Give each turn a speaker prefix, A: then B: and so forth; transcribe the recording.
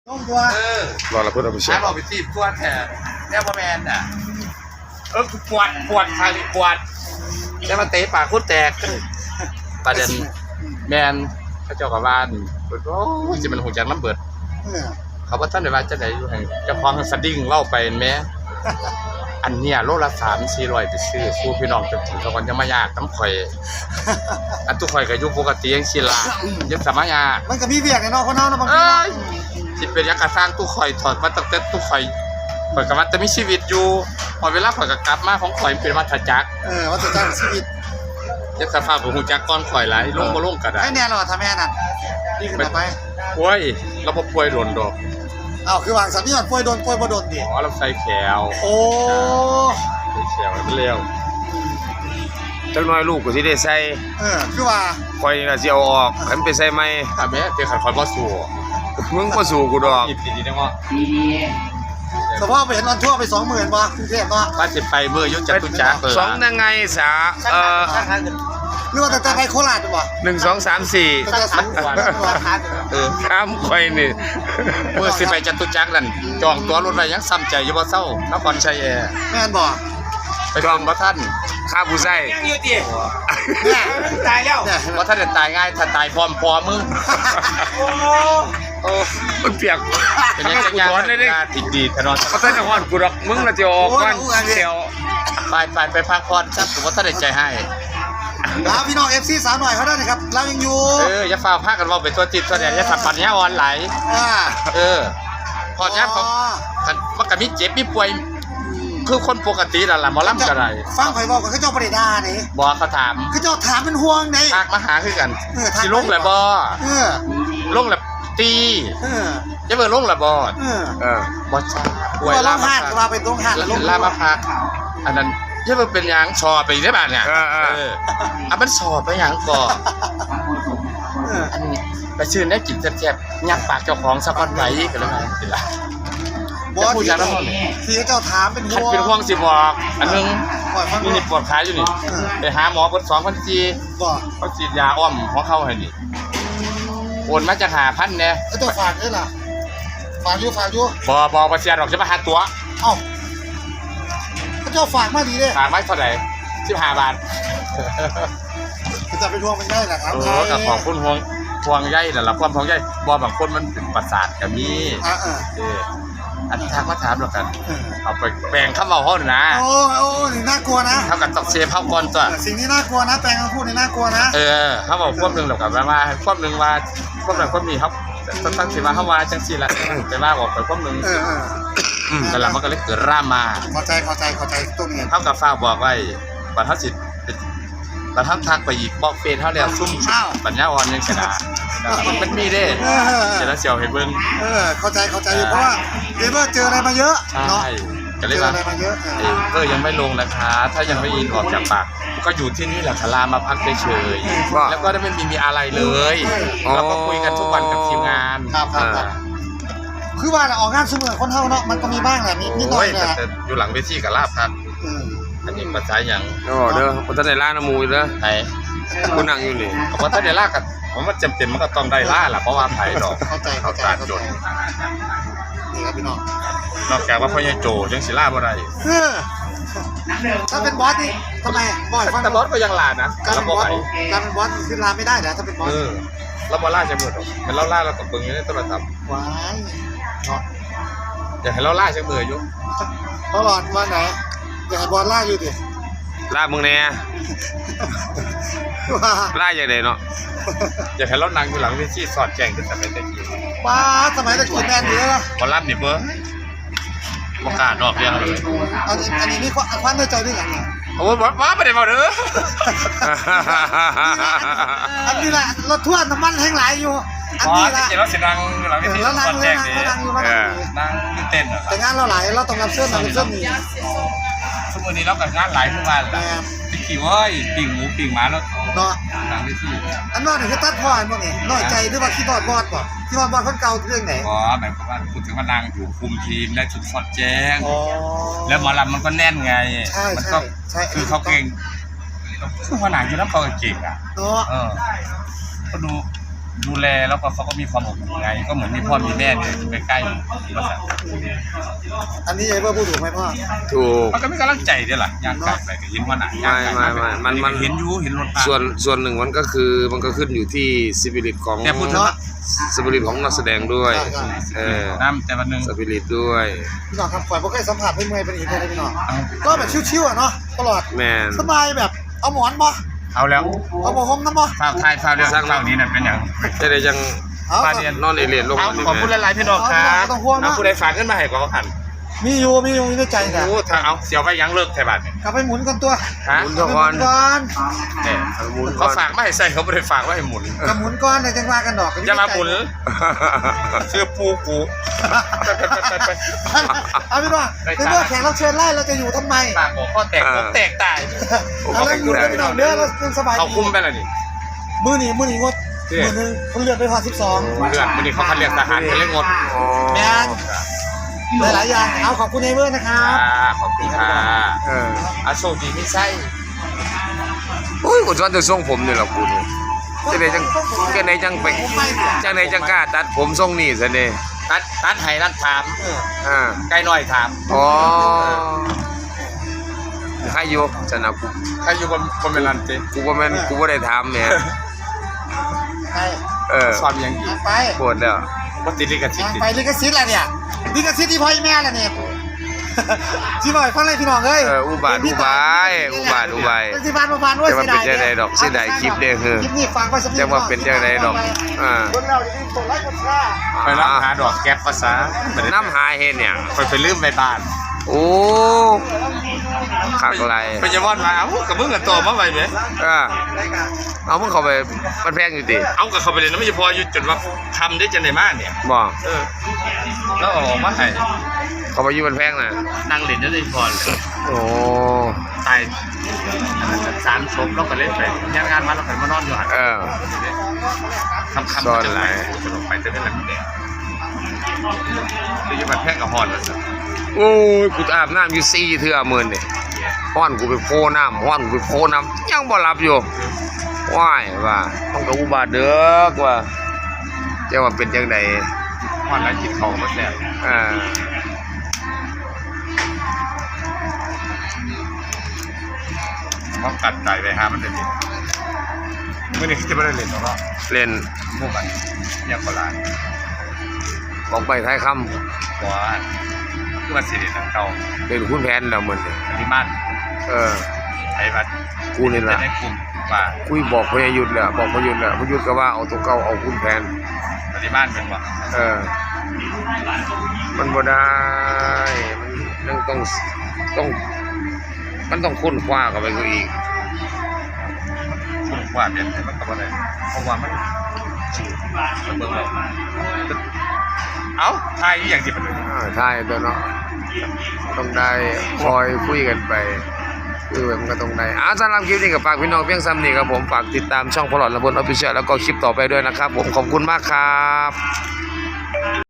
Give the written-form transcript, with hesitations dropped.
A: ต้องตัว
B: รอเราเพื่อนเอาไปเช็ค
C: เราไปจีบตัวแทนแน่ว่าแมนอ่ะปวดคาริปวดแล้วมาเตะปากคุดแตกประเด็นแมนเขาเจ้ากับบ้านโอ้ยจะเป็นหูจักน้ำเบิดเขาว่าท่านในบ้านจะไหนอยู่ให้เจ้าของสดิ้งเล่าไปแม้อันเนี้ยโลละ300-400ไปซื้อสู้พี่น้องจนถึงเขาคนจะมายากน้ำข่อยอันทุกข่อยก็อยู่ปกติยังศิลายังสมัย
A: มันก็มีเวียกไอ้น้องคนนั้นนะบางที
C: จิตเป็นยักษ์กระสร้างตู้ข่อยถอดมาตั้งแต่ตู้ข่อยกับมันจะมีชีวิตอยู่พอเวลาข่อยกับกลับมาของข่อยเป็นวัฏจักร
A: วัฏจักรชีวิต
C: ยักษ์สภาพของหูจักก้อนข่อยไหลลงมาลงกระดาษ
A: ให้แน่หรอทำแม่นั่นนี่ขึ้นไป
C: ป่วยเราพอป่วยโดนดอก
A: คือวางสัญญาณป่วยโดนป่วยบ่โดนดิ
C: เราใส่แขว
A: โอ้
C: ใส่แขวมันเร็ว
B: จังน้อยลูกก็สิได้ใส่
A: คือว่า
B: คอยน่ะสิเอาออกให้มันไปใส่ใหม่
C: ถ้าแม่เตะขัดคอยบ่สู้
B: มึงบ่สู้กูดอก
C: ดีๆนะว่า
A: สภาพไปเห็นวันทั่วไป 20,000บ่กรุงเทพเนาะ
C: ว่าสิไปเมื่อยุทธจัตุจักร
B: 2ยังไงสา
A: หรือว่าแต่ไปโคราชบ่
B: 1 2 3 4ข้ามคอยนี่
C: เมื่อสิไปจัตุจักรนั่นจองตั๋วรถไว้ยังซ้ำใจอยู่บ่เซานครชัยแอร์
A: แม่นบ่
C: ไปจองบ่ทัน
B: ข้าผู้ใส่
C: ยังอยู่ติเนี่ยตายแล้วบ่ทันได้ตายง่ายถ้าตายพร้อมมึง
B: โอ้มันเปียก
C: เป็นยังจังยานเลยติดดีถนน
B: บ่ทันได้ฮ้อนกูดอกมึงน่ะสิออกก่อนเสียว
C: ไปพักผ่อนซับผมบ่ทันได้ใจให้
A: พี่น้อง FC สาวหน่อยเขาได้นะครับเรายังอยู่
C: อย่าฟ้าพากันเว้าไปตัวจิตตัวแดนอย่าสับปัญญาอ่อนไหลพอยับเขามันก็มีเจ็บมีป่วยคือคนปกตินั่นล่ะหมอลำก็ได้
A: ฟังข่อยบอกกับเขาเจ้าบ่ได้ด่านี่
C: บ่เขาถาม
A: เขาเจ้าถามเป็นห่วงได๋
C: ทักมาหาคือกันสิลงแล้วบ่ลงแล้วตีจะเบิ่งลงแล้วบ่บ่ใช่
A: ป่วยลามาพักว่าเป็นตรงหาด
C: ลามาพักอันนั้นจะเบิ่งเป็นหยังชอไปได้บาดเนี่ยมันชอไปหยังก่ออันนี้ไปซื้อได้กินแซ่บๆยักปากเจ้าของสักวันไหวกันแล้วไงสิล่ะ
A: บ่พูดจังนั้นที่เจ้าถามเป็นห่วง
C: เป็นห่วงสิบอกอันนึงนี่ปวดขาอยู่นี่ไปหาหมอเพิ่น2,000จี
A: บ่
C: เขาฉีดยาอ้อมของเขาให้นี่โอนมาจาก5,000แน่
A: เจ้าฝากได้ล่ะฝากอยู่
C: บ่เสียดอกจะมาหาตัว
A: เจ้าฝากมาดีเด้
C: ฝากไว้เท่าไหร่15 บาท
A: จะไปทวงมันได้แหละครับ
C: กับของคุณห่วงใยนั่นล่ะความห่วงใยบ่บางคนมันเป็นประสาทก็มีอันทักมาถามแล้วกันเอาไปแปลงคำเว้าเฮานะ
A: โอ้นี่น่ากลัวนะ
C: เท่ากับต้องเซฟเฮาก่อนตัว
A: สิ่งนี้น่ากลัวนะแปลงคำพูดนี่น่ากลัวนะ
C: เฮาบอกความนึงแล้วกันว่าความนึงว่าความนั้นความนี้ครับตั้งสิว่าเฮาว่าจังซี่ล่ะแต่ว่าบอกไปความนึงนั่นล่ะมันก็เลยเกิดรามา
A: เข้าใจตรงนี้
C: เฮากับฟ้าบอกไว้บัดเฮาสิบัดเฮาทักไปอีกบอกเฟซเฮาแล้วซุ่มปัญญาอ่อนจังซี่ล่ะมันมีเด้เดี๋ยวเสี่ยวให้เบิ่ง
A: เข้าใจอยู่เพราะว่าเจออะไรมาเยอะเนาะ
C: ก็เลยว่ายังไม่ลงนะคะถ้ายังไม่ยินออกจากปากก็อยู่ที่นี่แหละคลามาพักเฉยๆแล้วก็ไม่มีอะไรเลยเราก็คุยกันทุกวันกับทีมงาน
A: คือว่าออกงานเสมอคนเท่าเนาะมันก็มีบ้างแหละมีน้อย
C: แต่อยู่หลังเวทีกับลาบพักอันนี้ปัจจัยอย่าง
B: เด้อคนท่านได้ล่าน้ำมูเด้อ
C: ไหน
B: คนนั่งอยู่นี่
C: คนท่านได้ล่ากันผมว่าจำเป็นมันก็ต้องได้ล่าแหละเพราะว่าไผ่ดอก
A: เขา
C: ตัดจน
A: นี่ครับพี่น้อง
C: นอกจากว่าพ่อใหญ่โจยังศิลาบ่ได้
A: ถ้าเป็นบอสนี่ทำไมบ่อยฟัง
C: แต่บอสก็ยังลานะ
A: การเป็นบอสคือลาไม่ได้นะถ้าเป็นบอส
C: เราบ่ล่าจะหมดหรอกเป็นเราล่าเราตบเบิ่งอยู่ในโทรศัพท์
A: ว้าย
C: อยากให้เราล่าจะเบื่ออยู่
A: เขาหลอดว่าไหนอยากให้บอสล่าอยู่ดิ
B: ล่ามึงแน่ล่าอย่างไรเนาะ
C: อยากให้เรานั่งอยู่หลังเวทีสอดแจงขึ้นสมัยตะกี้
A: ป้าสมัยตะกี้แมนเยอะ
C: บอลลับนี่เบ้อประกาศนอกเรื่องเลย
A: อันนี้นี่ความในใจด้วยอย่างนี้
C: โอ้ยว้าไม่ได้บอกเด้อ
A: อันนี้แหละรถทั่วน้ำมันแห้งไหลอยู่อันนี้แหละ
C: เราเสียงดังหลังเวทีสอดแจงดีนั่งเต้น
A: แต่งานเราไหลเราต้องรับเสื้อนี่
C: ชั่วโมงนี้เรากับงานหลายทุกวันติ๊กขี้ว้ยปิ่งหมูปิ่งหมาแล้ว
A: เนาะ
C: หลังเวที
A: อันนั้นคือตัดพ่ออันนี้น้อยใจหรือว่าขี้บอดป่ะขี้บอดคนเก่าเรื่องไหน
C: หมายความว่าพูดถึงว่านางอยู่คุมทีมได้ชุดสอดแจ้งแล้วหมอลำมันก็แน่นไงมันก็คือเขาเก่งคือว่านางอยู่น้ำเขาเก่งอ่ะก็ดูดูแลแล้วก็เขาก็มีความอบอุ่นไงก็เหมือนมีพ่อมีแม่เนี่ยอยู่ใกล้ๆภาษา
A: อันนี้ไอ้เบอร์พูดถูกไหมพ่อ
B: ถูก
C: มันก็มีกำลังใจด้วยล่ะย่างกายไปก็เห็นว่าหนักย่างกายไป
B: มัน
C: เห็นอยู่เห็นรถ
B: ส่วนหนึ่งมันก็คือมันก็ขึ้นอยู่ที่สปิริตของ
C: แต่พูดถึงว่า
B: สปิริตของนักแสดงด้วย
C: น้ำแต่วันหนึ่ง
B: สปิริตด้วย
A: พี่น้องครับข่อยบ่เคยสัมผัสไม่เมื่อยเป็นอีกเลยพี่น้องก็แบบชิวๆอ่ะเนาะตลอด
B: แมน
A: สบายแบบเอาหมอนบ่
C: เอาแล้ว
A: เอาผ้าห่มน้ำบ่
C: ข้าวไทยข้าวเดียวข้าวนี้นั่นเป็นอย่าง
B: จะได้ยัง
A: เอา
C: ปลาเดียน
B: นอนเอเลียนลง
C: เอา
B: มา
C: ขอพูดหลายๆพี่น้องครับ
A: ต้องห่วงนะ
C: ผู้ใดฝากเงินมาให้ก็หัน
A: มีอยู่ในใจนะ
C: โอ้ถ้าเอาเสียวไปยังเลิกไทยบาทเนี่ย
A: กลับไปหมุนกันตัว
C: ฮะ
B: หมุน
A: กลั
B: เท่า
A: บไปห
B: ก่อ
A: มุ
B: น
A: นก่อน
C: เนี่ย
B: หมุนก่
C: เขา
B: อน
C: ฝากไม่ให้ใส่เขาไม่ได้ฝากไว้ให้หมุน
A: กับหมุนก่อนเดี๋ยวจังว่ากันดอก
C: อย่ามาหมุนชื่อปูกูไป
A: เอาพี่น้องในเมื่อแขกรับเชิญไล่เราจะอยู่ทำไม
C: ปากบอกข้อแตกผมแตกตาย
A: เอาเล่นอยู่ด้วยพี่น้องเด้อเรายังสบาย
C: เขาคุ้มไปแล้วนี่
A: มือหนีงดมือนึงเขาเลือดไปพอ12
C: เลือดวันนี้เขาคัดเรียกทหารเขาเรียกงด
B: อ๋อ
A: แมนหลายๆอย่างเอาขอบคุณไอเวอร์นะครับ
C: ขอบคุณค่ะ
B: เออ
C: อาโชคดีไม่ใช่
B: โอ้ยกูชอบจะทรงผมนี่แหละกูนี่จะไหนจังไปจังไหนจังกล้าตัดผมทรงนี่ซะเนี่ย
C: ตัดไห้นัดถาม
B: อ่า
C: ไกลหน่อยถาม
B: อ๋อใครอยู่ชนะกู
C: ใครอยู่บนเวลันเต้
B: กูว่าแม่นกูว่าได้ถามเนี่ย
A: ไป
B: เออ
C: สอนยังอีก
A: ไป
B: ปวดแล้ว
C: ว่าติดลิขสิทธิ์
A: ไปลิขสิทธิ์อะไรเนี่ยลิขสิทธิ์ที่พ่อแม่แหละเนี่ยที่บ่อยฟังเลยพี่น้องเอ้ย
B: อุบาท
A: ที่บ้านด้วย
B: จะมาเป็นจังไดดอกเสียดายคลิปเด้อคือ
A: คลิปนี้ฟังไปสักนิด
B: จะมาเป็นจังไดดอกอ่า
A: คนเราจะมีกดไลค์กดแชร์
C: ไปรับหาดอกแก๊ปภาษา
B: น้ำหาเฮ็ดหยัง
C: ไปลืมไปบ้าน
B: โอ้คักไร
C: ไปจะวอนมาเอ้ากับมึงกับตัวมาไปไหม
B: เอามึงเข้าไปมันแพงอยู่ติ
C: เอากับเขาไปเลยนะไม่ใช่พออยู่จนว่าทำได้จังไดมากเนี่ย
B: บ่
C: แล้วออกมาให้
B: เข้าไปอยู่มันแพงน่ะ
C: นั่งเล่นได้พอเลย
B: โอ้
C: ตาย3 ศพแล้วก็เล่นไปงานมาแล้วก็มานอนอยู่หัน
B: เออ
C: คำจะไหลจะลงไปจะได้หลังแดงหรือจะมาแพงกับฮอนแล้วสิ
B: โอ้ยกูอาบน้ำอยู่4เทื่อมื้อนี่ฮ้อนกูไปโพน้ำฮ้อนกูไปโพน้ำยังบ่หลับอยู่ว้ายว่าต้องกับอุบาทเด้อว่าจะว่าเป็นจังได
C: ฮอนแล้วกินของมาแซ่บ เขากัดไก่ไปหามันจะดีเมื่อนี้จะไม่ได้เล่นหรอก
B: เล่น
C: พวกกันเรียกโบราณ
B: ของไปท้ายค
C: เพราะว่าคือมันสิริทางเก่า
B: ำเป็นคุณแผนแล้วมื้อนี้
C: ปริมาณ
B: เออ
C: ไอ้บัด
B: กูนี่
C: จะ
B: ล่ะ
C: ได้กลุ่มว่า
B: คุยบอกพยายุทธ์แล้วบอกพยายุทธ์แล้วพยายุทธ์ก็ว่าเอาตัวเก่าเอาคุณแผน
C: ปริมาณเป็นว่า
B: เออ มันบ่ได้มันต้องมันต้องค้นคว้าเข้าไปกูอีก
C: คุณว่าเป็นแต่มันก็บ่ได้เพราะว่ามันเบิ่งเลยเอ้าทายอย่างที่มันเลย
B: ใช่ตัวเนาะต้องได้คอยคุยกันไปคือมันก็ต้องได้สำหรับคลิปนี้กับฝากพี่น้องเพียงซ้ำนี่ครับผมฝากติดตามช่องพลอดระบนออฟฟิเชียลแล้วก็คลิปต่อไปด้วยนะครับผมขอบคุณมากครับ